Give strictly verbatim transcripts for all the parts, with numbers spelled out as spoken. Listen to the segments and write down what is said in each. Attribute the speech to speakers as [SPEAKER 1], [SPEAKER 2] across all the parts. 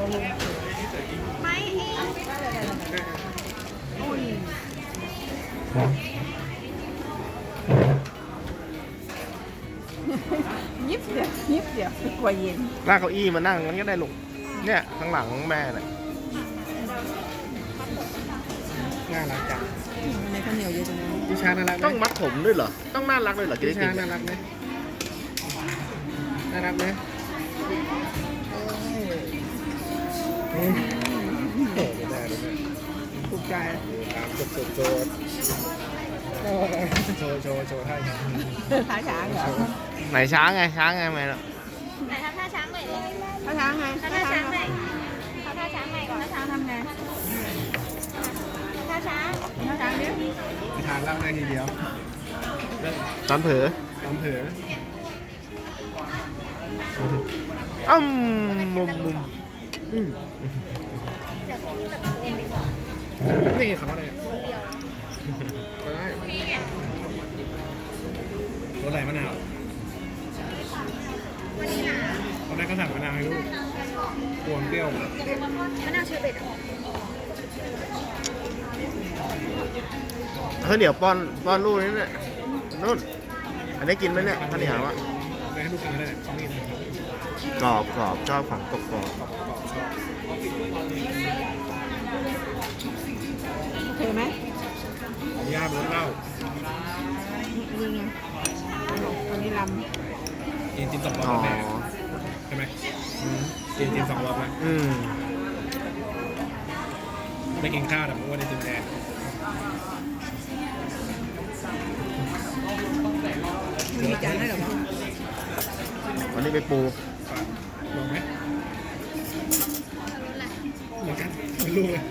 [SPEAKER 1] ไม่เอง
[SPEAKER 2] ยิบเดียวยิบเดียวกว่าเย็น
[SPEAKER 3] ลากเก้าอี้มานั่งมันก็ได้ลูกเนี่ยข้างหลังแม่เนี่ย
[SPEAKER 4] น่ารักจัง
[SPEAKER 2] ในข้าวเหนียวเยอะจังเลย
[SPEAKER 4] ดิชาน่ารักไหม
[SPEAKER 3] ต้องมัดผมด้วยเหรอต้องน่ารักด้วยเหรอกิน
[SPEAKER 4] ดิ
[SPEAKER 3] ไอติ
[SPEAKER 4] ชาม น่ารักไหมน่ารักไหมโอ้ไม่ได้ไม่ได้
[SPEAKER 2] ถูกใจ
[SPEAKER 4] ตามจุดจุดโจดโชว์โชว์โชว์ท่าอย่าง
[SPEAKER 2] ท้าช้างเหรอ
[SPEAKER 3] ไหนช้างไงช้างไงแม่เนาะ
[SPEAKER 1] ไหนทำท่าช้างใหม่ดิ
[SPEAKER 2] ท้าช้างไง
[SPEAKER 1] ทำท่าช้างใหม่ทำท่าช้างใหม่ก่อน
[SPEAKER 2] ท้าช้างทำไง
[SPEAKER 1] ท่าช้าง
[SPEAKER 2] ท้าช้างดิ
[SPEAKER 4] ทานเล่าได้ทีเดียว
[SPEAKER 3] ตอนเผลอ
[SPEAKER 4] ตามเผลอ
[SPEAKER 3] อ้ำมุมมุม
[SPEAKER 4] อืม
[SPEAKER 1] เดี๋ยวผมจะเรียนไปก่อน
[SPEAKER 4] นี่เขาอะไรก็ได้รสอะไรมะนาว
[SPEAKER 1] วันนี้นะ
[SPEAKER 4] ตอนแรกก็สั่งมะนาวให้ลูกกวนเปรี้ยว
[SPEAKER 1] มะนาวเชอร์เบต
[SPEAKER 3] ข้าวเหนียวป้อนป้อนลูกนี่เนี่ยนู่นอันนี้กินไหมเนี่ยข้าวเหนียวอะ
[SPEAKER 4] ไปให้ลูกกินได้เขามีนะครับ
[SPEAKER 3] กรอบกรอบชอบของกรอบกรอบ
[SPEAKER 4] กรอบกรอบชอบ
[SPEAKER 2] โอเคไหม
[SPEAKER 4] ของย่าเป็นรสเหล้า
[SPEAKER 2] นี่ไงวันนี้ล
[SPEAKER 4] กินจิมสองรอบ
[SPEAKER 3] อ๋อ
[SPEAKER 4] แล้วแม่ใช่ไหมกินจิมสองรอบแล้ว
[SPEAKER 3] อืม
[SPEAKER 4] ไม่กินข้าวแต่เมื่อวันนี้จิมแดง
[SPEAKER 2] ำมันมีจานให้เหรอวะ
[SPEAKER 3] วันนี้ไปปู
[SPEAKER 4] ลองไหมเหมือนกันเหมือนลูกเลย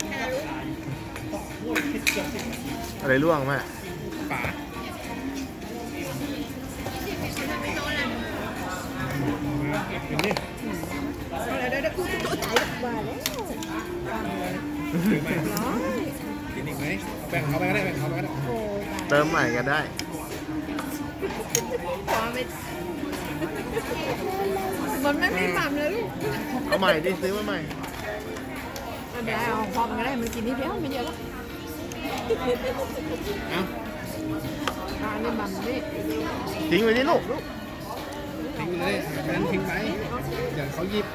[SPEAKER 3] อะไรร่วงแม่
[SPEAKER 4] ป๋า เห็นดิ
[SPEAKER 2] เดี๋ยวเดี๋ยวกูตัวใจว่าแล้ว
[SPEAKER 4] ถือไหม
[SPEAKER 2] น้อย
[SPEAKER 4] กินอีกไหมแบ่งเขาไปก็ได้แบ่งเขาไปก็ได้
[SPEAKER 2] โอ้
[SPEAKER 3] เติมใหม่ก็ได้
[SPEAKER 2] ขอไม่มันไม่มีหม่ำเลยลูก
[SPEAKER 3] เอาใหม่ดิซื้อมาใหม่
[SPEAKER 2] ไม่เป็นไรเอาพอมันก็ได้มันกินนิดเดียวไม่เยอะหรอก
[SPEAKER 4] เอ้า
[SPEAKER 2] ตาเนี่ยหม่ำนี่
[SPEAKER 3] ทิ้งไว้ที่ลูก
[SPEAKER 4] ทิ้งไปเลยงั้นทิ้งไปเดี๋ยวเขาหยิบ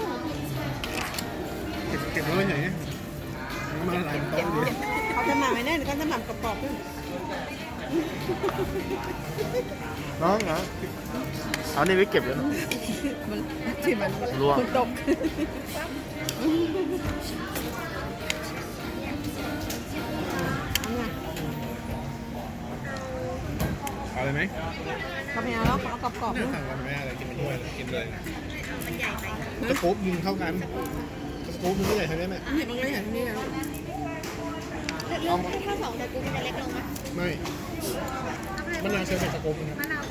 [SPEAKER 4] เก็บเก็บไว้ไหนมาหลายโต๊ะดิ
[SPEAKER 2] เขาจะหม่ำไว้แน่หรือก็จะหม่ำกรอบๆขึ้น
[SPEAKER 3] น้องเหรอเอานี่ไว้เก็บแล้ว
[SPEAKER 2] มันที่มัน
[SPEAKER 3] ร่วง
[SPEAKER 2] มันตก
[SPEAKER 4] เอาเลยไหม
[SPEAKER 2] เขาไม่เอาแล้วเขาเอากรอบๆ
[SPEAKER 4] น่า
[SPEAKER 2] ด้วย
[SPEAKER 4] สั่งกันไหมอะไรกินไปด้วยกินเลย
[SPEAKER 1] มันใหญ่ไป
[SPEAKER 4] สกู๊ปยิงเท่ากันสกู๊ปมันไม่ใหญ่เท่านี้ไหม
[SPEAKER 2] นี่มันก็อย่างนี้นะ
[SPEAKER 1] เลือกถ้าสองแต่กูมันจะเล็กลงไหม
[SPEAKER 4] ไม่มะนาวเชอร์เบตสกู๊ปนะครับ
[SPEAKER 1] มะนาว